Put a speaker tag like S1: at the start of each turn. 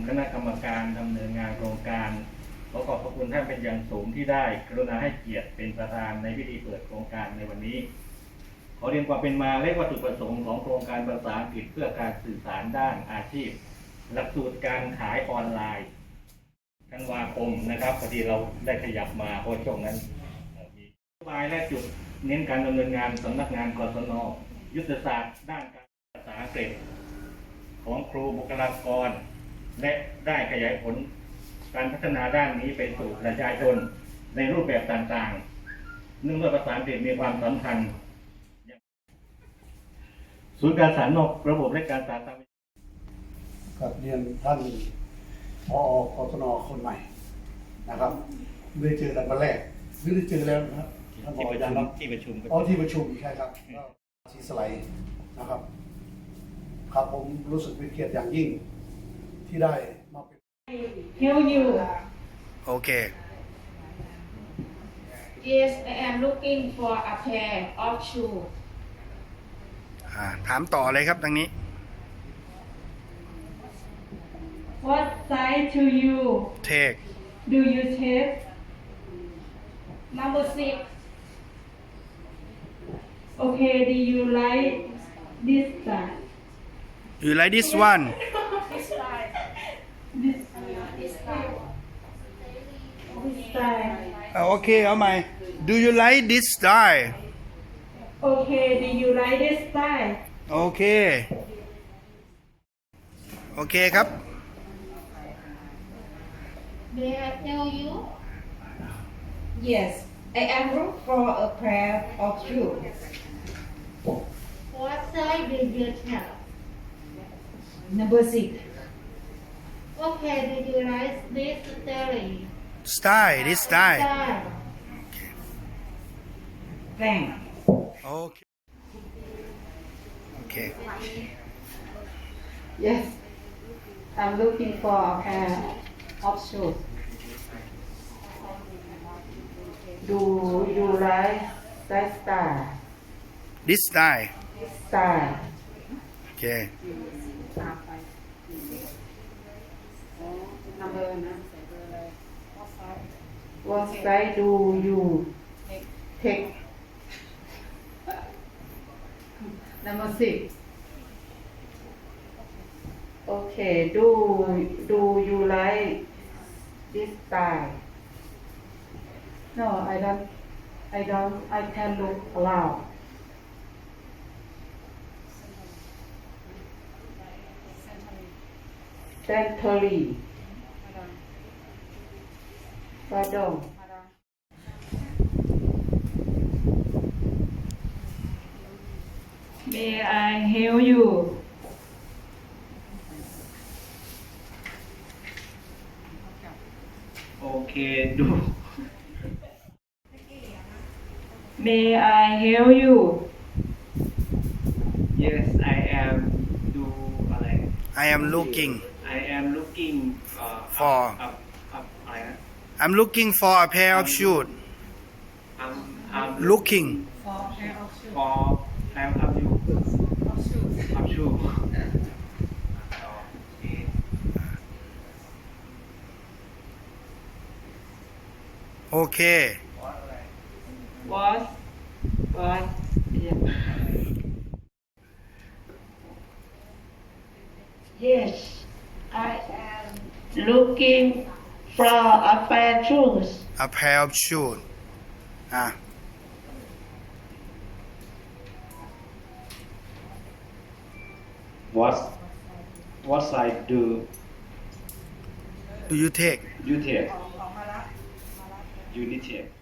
S1: คณะกรรมการดำเนินงานโครงการขอขอบพระคุณท่านเป็นอย่างสูงที่ได้กรุณาให้เกียรติเป็นประธานในพิธีเปิดโครงการในวันนี้ขอเรียนความเป็นมาและวัตถุประสงค์ของโครงการภาษาอังกฤษเพื่อการสื่อสารด้านอาชีพหลักสูตรการขายออนไลน์ธันวาคมนะครับพอดีเราได้ขยับมาเพราะช่วงนั้นมีนโยบายและจุดเน้นการดำเนินงานสำนักงานกศน.ยุทธศาสตร์ด้านการภาษาอังกฤษของครูบุคลากรและได้ขยายผลการพัฒนาด้านนี้ไปสู่ประชาชนในรูปแบบต่างๆเนื่องด้วยภาษาอังกฤษมีความสำคัญศูนย์การสารนอกระบบและการสารตาม
S2: กับเรียนท่านผอกศน.คนใหม่นะครับไม่ได้เจอกันวันแรกไม่ได้เจอแล้วนะครับท่านผอยังครับ
S1: ที่ประชุม
S2: ที่ประชุมใช่ครับสีสไลด์นะครับครับผมรู้สึกเป็นเกียรติอย่างยิ่งที่ได้มาเป็น
S3: Help you.
S4: โอเค
S3: Yes, I am looking for a pair of shoes.
S4: ถามต่อเลยครับทางนี้
S3: What size do you
S4: take
S3: take? Number 6. Okay, do you like this style?
S4: you like this one
S3: This style. This style.
S4: โอเคเอาใหม่ do you like this style
S3: Okay, do you like this style?
S4: โอเคโอเคครับ
S5: May I tell you?
S3: Yes, I am looking for a pair of shoes.
S5: What size do you have?
S3: Number 6.
S5: Okay, do you like this styling?
S4: style this style
S5: Style.
S3: Thanks.
S4: โอเคโอเค
S3: Yes, I'm looking for a pair of shoes. Do you like that style?
S4: this style
S3: Style.
S4: โอเค
S3: What size do you take? Number 6. Okay, do you like this style? No, I don't. I can look around. Century. Pardon. May I help you?
S1: Okay, do
S3: May I help you?
S1: yes I am do อะไร
S4: I am looking
S1: I am looking
S4: For
S1: up อะไรนะ
S4: I'm looking for a pair of shoes
S1: I'm
S4: looking
S1: for pair of you of shoe
S4: โอเค
S3: What? Yeah. Yes, I am looking for a pair of shoes.
S4: a pair of shoes อ่ะ
S1: what size do
S4: do you take
S1: you take you need take